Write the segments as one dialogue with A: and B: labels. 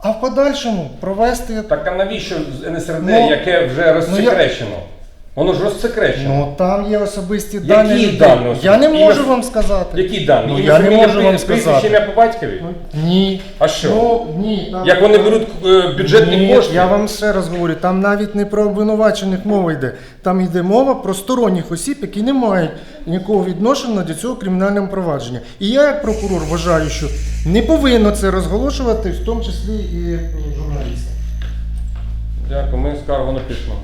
A: а в подальшому провести...
B: Так а навіщо НСРД, яке вже розсекречено? Воно ж розсекречено.
A: Ну там є особисті дані.
B: Які дані?
A: Я не можу вам сказати.
B: Які дані?
A: Ну, я не можу вам
B: Прізвище,
A: сказати.
B: ім'я по батькові?
A: Ні.
B: А що?
A: Ну, ні. Там...
B: Як вони беруть бюджетні
A: Ні,
B: кошти?
A: я вам ще раз говорю, там навіть не про обвинувачених мова йде. Там йде мова про сторонніх осіб, які не мають ніякого відношення до цього кримінального провадження. І я, як прокурор, вважаю, що не повинно це розголошувати, в тому числі і журналістам.
B: Дякую, ми скаргу напишемо.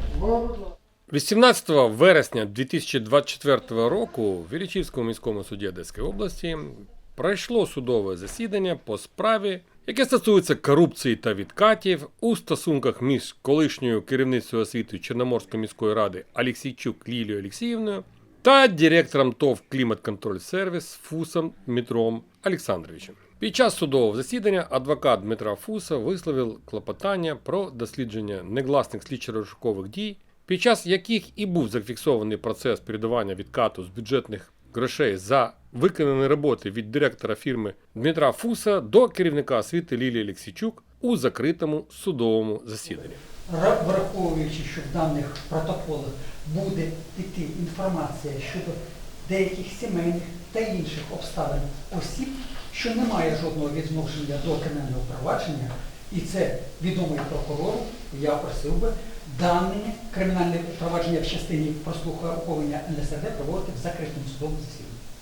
B: 18 вересня 2024 року в Іллічівському міському суді Одеської області пройшло судове засідання по справі, яке стосується корупції та відкатів у стосунках між колишньою керівницею освіти Чорноморської міської ради Алексійчук Лілією Олексіївною та директором ТОВ «Клімат-контроль-сервіс» Фусом Дмитром Олександровичем. Під час судового засідання адвокат Дмитра Фуса висловив клопотання про дослідження негласних слідчо-розшукових дій, під час яких і був зафіксований процес передавання відкату з бюджетних грошей за виконані роботи від директора фірми Дмитра Фуса до керівника освіти Лілії Олексійчук у закритому судовому засіданні.
C: Враховуючи, що в даних протоколах буде йти інформація щодо деяких сімейних та інших обставин осіб, що не має жодного відношення до кримінального провадження, і це відомий прокурору, я просив би дане кримінальне провадження в частині прослуховування НСРД проводити в закритому судовому засіданні.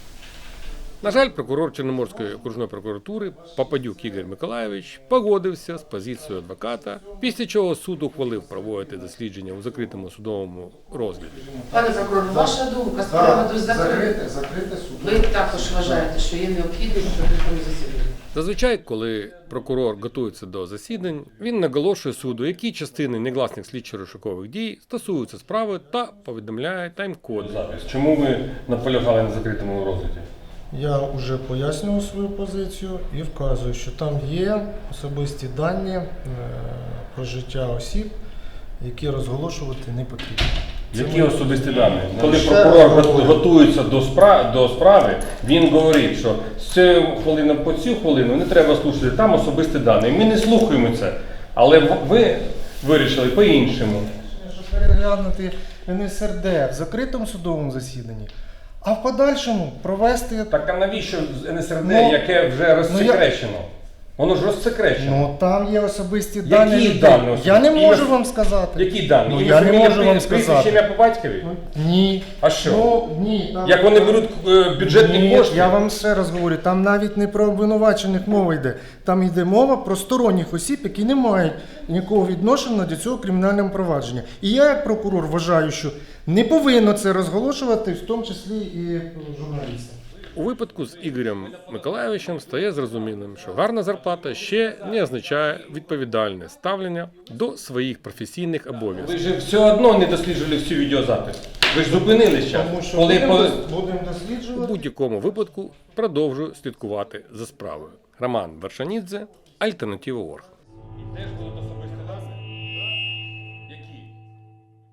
B: На жаль, прокурор Чорноморської окружної прокуратури Попадюк Ігор Миколайович погодився з позицією адвоката, після чого суд ухвалив проводити дослідження у закритому судовому розгляді.
D: Пане прокурор, ваша думка з приводу
A: закрите суд.
D: Ви також вважаєте, що є необхідність в закритому засіданні?
B: Зазвичай, коли прокурор готується до засідань, він наголошує суду, які частини негласних слідчо-розшукових дій стосуються справи та повідомляє тайм-код. Чому ви наполягали на закритому розгляді?
A: Я вже пояснював свою позицію і вказую, що там є особисті дані про життя осіб, які розголошувати не потрібно.
B: Які особисті дані? Коли прокурор готується до справи, він говорить, що з цієї хвилини по цю хвилину не треба слухати, там особисті дані. Ми не слухаємо це, але ви вирішили по-іншому.
A: Щоб переглянути НСРД в закритому судовому засіданні, а в подальшому провести...
B: Так а навіщо НСРД, яке вже розсекречено? Воно ж розсекречено.
A: Ну там є особисті дані.
B: Які дані?
A: Я не можу вам сказати.
B: Які дані?
A: Ну, я не можу вам
B: Прізвище,
A: сказати.
B: ім'я по батькові?
A: Ні.
B: А що?
A: Ну, ні. Там...
B: Як вони беруть бюджетні
A: Ні,
B: кошти?
A: я вам ще раз говорю, там навіть не про обвинувачених мова йде. Там йде мова про сторонніх осіб, які не мають ніякого відношення до цього кримінального провадження. І я, як прокурор, вважаю, що не повинно це розголошувати, в тому числі і журналістам.
B: У випадку з Ігорем Миколайовичем стає зрозумілим, що гарна зарплата ще не означає відповідальне ставлення до своїх професійних обов'язків. Ви ж все одно не досліджували всю відеозапис. Ви ж зупинились зараз.
A: Тому що будемо
B: У
A: досліджувати.
B: будь-якому випадку продовжую слідкувати за справою. Роман Вершанідзе, Альтернатива.орг.